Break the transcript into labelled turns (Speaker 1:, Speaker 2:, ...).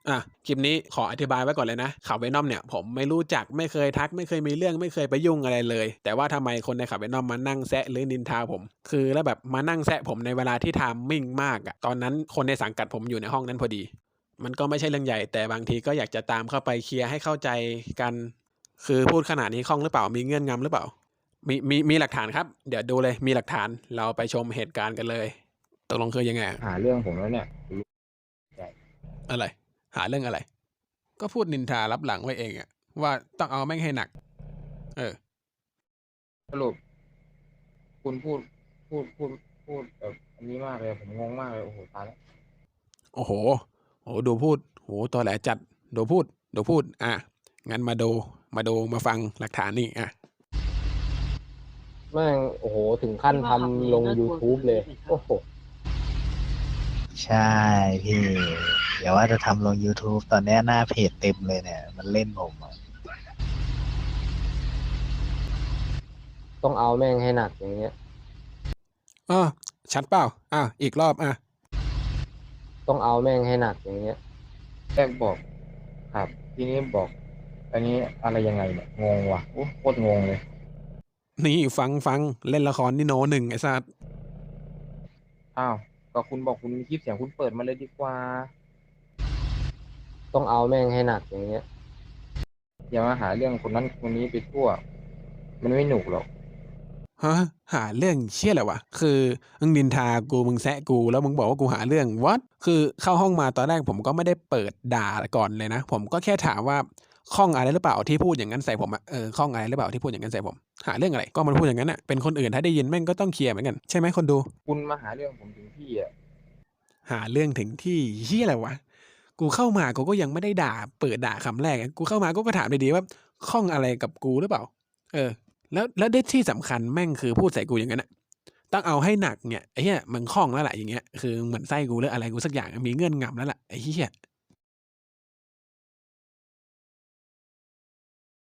Speaker 1: คลิปนี้ขออธิบายไว้ก่อนเลยนะข่าว Venom เนี่ยผมไม่รู้จักไม่เคยทักไม่เคยมีเรื่องไม่เคยไปยุ่งอะไรเลยแต่ว่าทำไมคนในข่าว Venom มานั่งแซะหรือนินทาผมคือแล้วแบบมานั่งแซะผมในเวลาที่ไทมิ่งมากอะตอนนั้นคนในสังกัดผมอยู่ในห้องนั้นพอดีมันก็ไม่ใช่เรื่องใหญ่แต่บางทีก็อยากจะตามเข้าไปเคลียร์ให้เข้าใจกันคือพูดขนาดนี้คล่องหรือเปล่ามีเงื่อนงำหรือเปล่ามีหลักฐานครับเดี๋ยวดูเลยมีหลักฐานเราไปชมเหตุการณ์กันเลยตกลงคือยังไง
Speaker 2: หาเรื่องผมแล้วเนี่ย
Speaker 1: อะไรหาเรื่องอะไรก็พูดนินทารับหลังไว้เองอะว่าต้องเอาแม่งให้หนัก
Speaker 2: สรุปคุณพูดแบบอันนี้มากเลยผมงงมากเลยโอ้โหตายแล้ว
Speaker 1: โอ้โหดูพูดโหตอแหลจัดดูพูดงั้นมาฟังหลักฐานนี่
Speaker 2: แม่งโอ้โหถึงขั้นทำลง YouTube เลยโอ้โห
Speaker 3: ใช่พี่อย่าว่าจะทำลง YouTube ตอนนี้หน้าเพจเต็มเลยเนี่ยมันเล่นผมอะ
Speaker 2: ต้องเอาแม่งให้หนักอย่างเงี้ย
Speaker 1: ชัดเปล่าอีกรอบ
Speaker 2: ต้องเอาแม่งให้หนักอย่างเงี้ยแรกบอกครับทีนี้บอกอันนี้อะไรยังไงเนี่ยงงว่ะโอ้โคตรงงเลย
Speaker 1: นี่ฟังเล่นละครนี่โนหนึ่งไอ้สัส
Speaker 2: อ้าวก็คุณบอกคุณมีคลิปเสียงคุณเปิดมาเลยดีกว่าต้องเอาแม่งให้หนักอย่างเงี้ยอย่ามาหาเรื่องคนนั้นคนนี้ไปทั่วมันไม่หนุกหรอก
Speaker 1: ฮะหาเรื่องเชี่ยอะไรวะคือมึงนินทากูมึงแซะกูแล้วมึงบอกว่ากูหาเรื่อง what คือเข้าห้องมาตอนแรกผมก็ไม่ได้เปิดด่าก่อนเลยนะผมก็แค่ถามว่าข้องอะไรหรือเปล่าที่พูดอย่างนั้นใส่ผมข้องอะไรหรือเปล่าที่พูดอย่างนั้นใส่ผมหาเรื่องอะไรก็มันพูดอย่างนั้นอ่ะเป็นคนอื่นถ้าได้ยินแม่งก็ต้องเคลียร์เหมือนกันใช่ไหมคนดู
Speaker 2: คุณมาหาเรื่องผมถึงที่อ่ะ
Speaker 1: หาเรื่องถึงที่เหี้ยอะไรวะกูเข้ามากูก็ยังไม่ได้ด่าเปิดด่าคำแรกกูเข้ามากูก็ถามดีๆว่าข้องอะไรกับกูหรือเปล่าเออแล้วได้ที่สำคัญแม่งคือพูดใส่กูอย่างนั้นอ่ะต้องเอาให้หนักเนี่ยไอ้เหี้ยมันข้องแล้วแหละอย่างเงี้ยคือเหมือนไส้กูหรืออะไรกูสักอย่างมีเงื่อนงำแล้วแหละไอ้เหี้ย